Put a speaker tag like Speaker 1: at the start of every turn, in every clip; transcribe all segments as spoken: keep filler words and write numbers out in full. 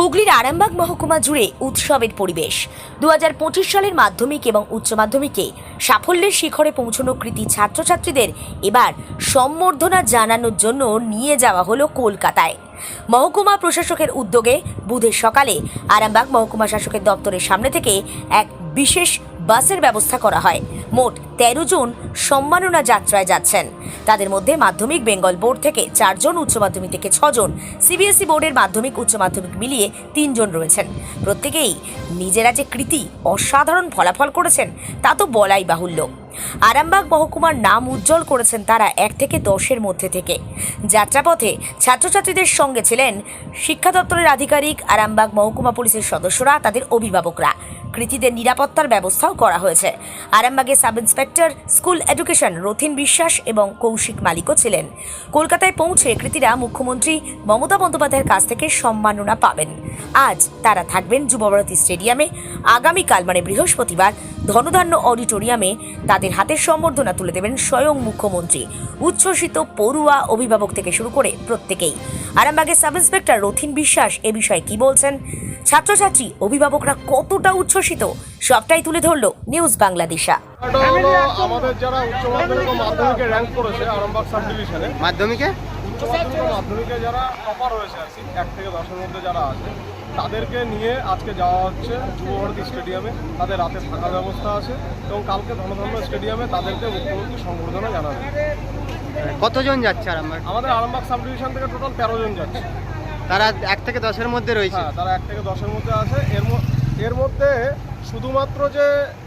Speaker 1: হুগলির আরামবাগ মহকুমা জুড়ে উৎসবের পরিবেশ। দু হাজার পঁচিশ সালের মাধ্যমিক এবং উচ্চ মাধ্যমিকে সাফল্যের শিখরে পৌঁছানো কৃতি ছাত্রছাত্রীদের এবার সম্বর্ধনা জানানোর জন্য নিয়ে যাওয়া হলো কলকাতায়। মহকুমা প্রশাসকের উদ্যোগে বুধের সকালে আরামবাগ মহকুমা শাসকের দপ্তরের সামনে থেকে এক বিশেষ বাসের ব্যবস্থা করা হয়। মোট তেরো জন সম্মাননা যাত্রায় যাচ্ছেন। তাদের মধ্যে মাধ্যমিক বেঙ্গল বোর্ড থেকে চারজন, উচ্চ মাধ্যমিক থেকে ছজন, সিবিএসই বোর্ডের মাধ্যমিক উচ্চ মাধ্যমিক মিলিয়ে তিনজন রয়েছেন। প্রত্যেকেই নিজেরা যে কৃতি অসাধারণ ফলাফল করেছেন তা তো বলাই বাহুল্য। আরামবাগ মহকুমার নাম উজ্জ্বল করেছেন তারা এক থেকে দশের মধ্যে থেকে। যাত্রাপথে ছাত্রছাত্রীদের সঙ্গে ছিলেন শিক্ষা দপ্তরের আধিকারিক, আরামবাগ মহকুমা পুলিশের সদস্যরা, তাদের অভিভাবকরা। কৃতীদের নিরাপত্তার ব্যবস্থাও করা হয়েছে। আরামবাগের sub inspector school education Rathin Biswas এবং কৌশিক মালিকও ছিলেন। কলকাতায় পৌঁছে কৃতীরা মুখ্যমন্ত্রী মমতা বন্দ্যোপাধ্যায়ের কাছ থেকে সম্মাননা পাবেন। আজ তারা থাকবেন যুবভারতী স্টেডিয়ামে। আগামীকাল মানে বৃহস্পতিবার ধনধান্য অডিটোরিয়ামে তাদের হাতের সম্বর্ধনা তুলে দেবেন স্বয়ং মুখ্যমন্ত্রী। উচ্ছ্বসিত পড়ুয়া, অভিভাবক থেকে শুরু করে প্রত্যেকেই। আরামবাগের সাব ইন্সপেক্টর রথিন বিশ্বাস এ বিষয়ে কি বলছেন, ছাত্রছাত্রী অভিভাবকরা কতটা উচ্ছ্বসিত, সবটাই তুলে ধরলো নিউজ বাংলাদেশা।
Speaker 2: আমাদের যারা উচ্চ মাধ্যমিক ও মাধ্যমিকে র্যাঙ্ক করেছে আরামবাগ সাব ডিভিশনে, মাধ্যমিকে উচ্চ মাধ্যমিক ও মাধ্যমিকে যারা টপার হয়েছে আর কি, এক থেকে দশের মধ্যে যারা আছে, তাদেরকে নিয়ে আজকে যাওয়া হচ্ছে যুবভারতী স্টেডিয়ামে। তাদের রাতে থাকার ব্যবস্থা আছে এবং কালকে ধনধান্য স্টেডিয়ামে তাদেরকে মুখ্যমন্ত্রী সংবর্ধনা জানাবে।
Speaker 3: কতজন যাচ্ছে আরামবাগ?
Speaker 2: আমাদের আরামবাগ সাব ডিভিশন থেকে টোটাল তেরো জন যাচ্ছে।
Speaker 3: তারা এক থেকে দশের মধ্যে রয়েছে?
Speaker 2: হ্যাঁ, তারা এক থেকে দশের মধ্যে আছে। এর এর মধ্যে শুধুমাত্র যে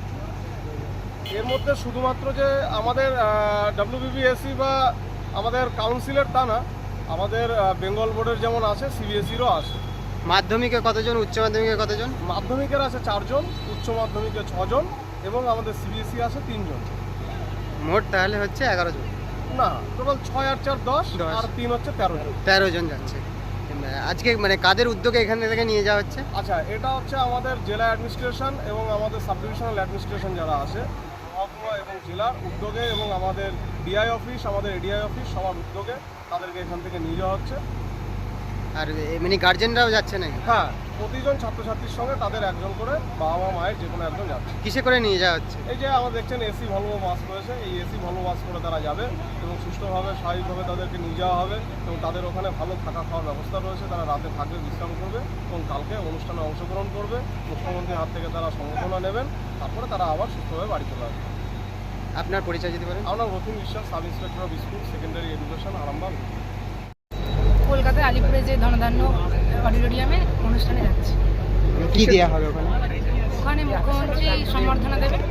Speaker 2: এর মধ্যে শুধুমাত্র যে আমাদের ডাব্লিউবিবিএসসি বা আমাদের কাউন্সিলের তা না, আমাদের বেঙ্গল বোর্ডের যেমন আছে, সিবিএসইরও আছে।
Speaker 3: মাধ্যমিকে কতজন, উচ্চ মাধ্যমিকে কতজন?
Speaker 2: মাধ্যমিকের আছে চারজন, উচ্চ মাধ্যমিকে ছজন এবং আমাদের সিবিএসই আছে তিনজন।
Speaker 3: মোট তাহলে হচ্ছে এগারো জন?
Speaker 2: না, টোটাল ছয় আর চার দশ, আর তিন হচ্ছে তেরো জন।
Speaker 3: তেরো জন যাচ্ছে আজকে। মানে কাদের উদ্যোগে এখান থেকে নিয়ে যাওয়া হচ্ছে?
Speaker 2: আচ্ছা, এটা হচ্ছে আমাদের জেলা অ্যাডমিনিস্ট্রেশন এবং আমাদের সাব ডিভিশনাল অ্যাডমিনিস্ট্রেশন যারা আছে, মহকুমা এবং জেলার উদ্যোগে, এবং আমাদের ডিআই অফিস, আমাদের এডিআই অফিস সবার উদ্যোগে তাদেরকে এখান থেকে নিয়ে যাওয়া হচ্ছে।
Speaker 3: আর এমনি গার্জেনরাও যাচ্ছে নাকি?
Speaker 2: হ্যাঁ, প্রতিজন ছাত্রছাত্রীর সঙ্গে তাদের একজন করে বাবা মা মায়ের যে কোনো একজন যাচ্ছে।
Speaker 3: কিসে করে নিয়ে যাওয়া হচ্ছে?
Speaker 2: এই যে আমরা দেখছেন এসি ভলভো বাস রয়েছে, এই এসি ভলভো বাস করে তারা যাবে এবং সুষ্ঠুভাবে স্বাভাবিকভাবে তাদেরকে নিয়ে যাওয়া হবে এবং তাদের ওখানে ভালো থাকা খাওয়ার ব্যবস্থা রয়েছে। তারা রাতে থাকবে, বিশ্রাম করবে এবং কালকে অনুষ্ঠানে অংশগ্রহণ করবে। মুখ্যমন্ত্রীর হাত থেকে তারা সংবর্ধনা নেবেন, তারপরে তারা আবার সুস্থভাবে বাড়ি চলে আসবে।
Speaker 3: আপনার পরিচয় দিতে পারেন?
Speaker 2: আমরা Rathin Biswas, sub inspector of school secondary education, Arambagh.
Speaker 4: কলকাতায় আলিপুরে যে ধনধান্য অডিটোরিয়ামে অনুষ্ঠানে যাচ্ছে।
Speaker 3: কি দেওয়া হবে ওখানে?
Speaker 4: ওখানে মুখ্যমন্ত্রী সম্বর্ধনা দেবেন।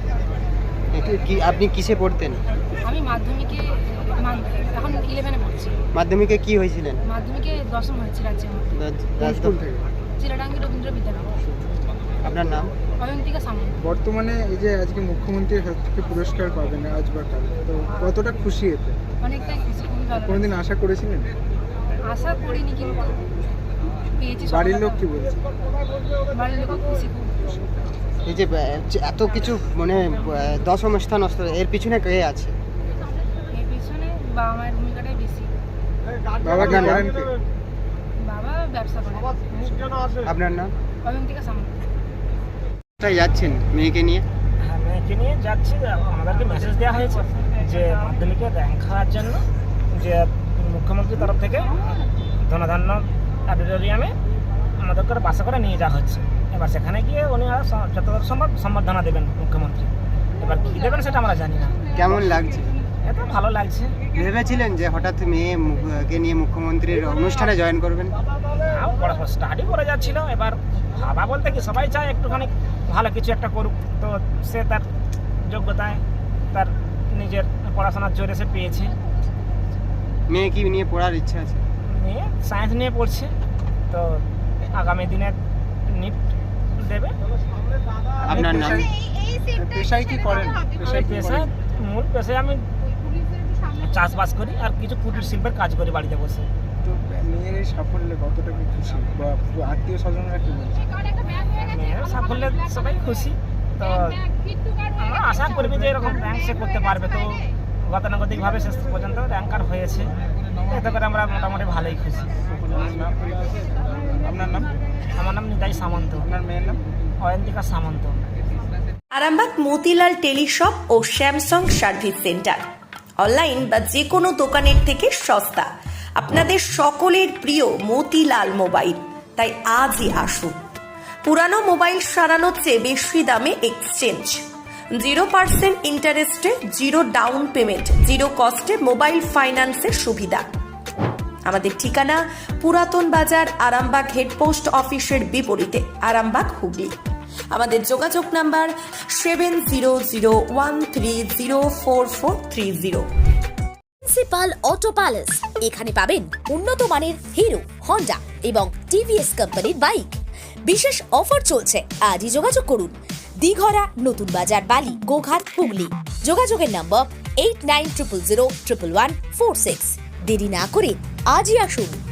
Speaker 3: কি আপনি কিসে পড়তেন?
Speaker 4: আমি মাধ্যমিকে এখন ইলেভেনে পড়ছি।
Speaker 3: মাধ্যমিকে কি হয়েছিলেন?
Speaker 4: মাধ্যমিকে দশম হয়েছে রাজ্যের মধ্যে, চিরাডাঙ্গি রবীন্দ্র বিদ্যালয়।
Speaker 3: আপনার নাম?
Speaker 4: অয়ন্তিকা সামন্ত।
Speaker 5: বর্তমানে এই যে আজকে মুখ্যমন্ত্রীর হাত থেকে পুরস্কার পাবেন আজ বা কাল, তো কতটা খুশি এতে?
Speaker 4: অনেকটাই খুশি, খুবই ভালো।
Speaker 5: কোনোদিন আশা করেছিলেন?
Speaker 4: আশা করিনি, কিন্তু পেয়েছি।
Speaker 5: বাড়ির লোক কি বলছে?
Speaker 4: বাড়ির লোক খুশি, খুব খুশি।
Speaker 3: এই যে এত কিছু মানে দশম স্থান, এর পিছনে কে আছে?
Speaker 4: এর পিছনে বাবা মায়ের ভূমিকাটাই বেশি।
Speaker 5: বাবা কি করেন?
Speaker 4: বাবা ব্যবসা করে।
Speaker 3: আপনার নাম?
Speaker 4: অয়ন্তিকা সামন্ত।
Speaker 3: কোথায় যাচ্ছেন মেয়েকে নিয়ে?
Speaker 6: হ্যাঁ, মেয়েকে নিয়ে যাচ্ছি। আমাদেরকে মেসেজ দেওয়া হয়েছে যে মাধ্যমিকে র্যাঙ্ক হওয়ার জন্য যে মুখ্যমন্ত্রীর তরফ থেকে ধনধান্য অডিটোরিয়ামে আমাদেরকে বাসা করে নিয়ে যাওয়া হচ্ছে। এবার সেখানে গিয়ে উনি যতদূর সম্ভব সম্বর্ধনা দেবেন মুখ্যমন্ত্রী। এবার কী দেবেন সেটা আমরা জানি না।
Speaker 3: কেমন লাগছে?
Speaker 6: এত ভালো লাগছে।
Speaker 3: ভেবেছিলেন যে হঠাৎ মেয়েকে নিয়ে মুখ্যমন্ত্রীর অনুষ্ঠানে জয়েন করবেন?
Speaker 6: পড়াশোনা স্টাডি করে যাচ্ছিল। এবার ভাবা বলতে কি, সবাই চায় একটুখানি ভালো কিছু একটা করুক, তো সে তার যোগ্যতায় তার নিজের পড়াশোনার জোরে সে পেয়েছে।
Speaker 3: মেয়ে কি নিয়ে পড়ার ইচ্ছা আছে?
Speaker 6: মেয়ে সায়েন্স নিয়ে পড়ছে, তো আগামী দিনে নিট দেবে।
Speaker 3: আপনার নাম?
Speaker 5: পেশায় কি করেন?
Speaker 6: পেশায় মূল পেশায় আমি চাষবাস করি আর কিছু কুটির শিল্পের কাজ করি বাড়িতে বসে।
Speaker 5: তো মেয়ের এই সাফল্যে কতটা কি খুশি, বা আত্মীয় স্বজনরা কি বলছে?
Speaker 6: মেয়ের সাফল্যে সবাই খুশি। তো আমরা আশা করবি যে এরকম র্যাঙ্ক সে করতে পারবে। তো গতানুগতিকভাবে শেষ পর্যন্ত র্যাঙ্কার হয়েছে, এতে করে আমরা মোটামুটি ভালোই খুশি।
Speaker 5: আপনার নাম?
Speaker 6: আমার নাম নিতাই সামন্ত। আপনার মেয়ের নাম? অয়ন্তিকা সামন্ত।
Speaker 7: আরামবাগ মতিলাল টেলিশপ ও স্যামসাং সার্ভিস সেন্টার অনলাইন বা যে কোনো দোকানের থেকে সস্তা। আপনাদের সকলের প্রিয় মতিলাল মোবাইল, তাই আজই আসুন। পুরানো মোবাইল সারানোর চেয়ে বেশি দামে এক্সচেঞ্জ, জিরো পার্সেন্ট ইন্টারেস্টে জিরো ডাউন পেমেন্ট, জিরো কস্টে মোবাইল ফাইন্যান্সের সুবিধা। আমাদের ঠিকানা পুরাতন বাজার, আরামবাগ হেডপোস্ট অফিসের বিপরীতে, আরামবাগ, হুগলি। আমাদের যোগাযোগ number seven zero zero one three zero four four three zero.
Speaker 1: Principal auto palace, এখানে পাবেন উন্নত মানের হিরো, হন্ডা এবং টিভিএস কোম্পানির বাইক। বিশেষ অফার চলছে, আজই যোগাযোগ করুন। দিঘরা, নতুন বাজার, বালি, গোঘাট, হুগলি। যোগাযোগের নম্বর eight nine triple zero triple one four six. দেরি না করে আজই আসুন।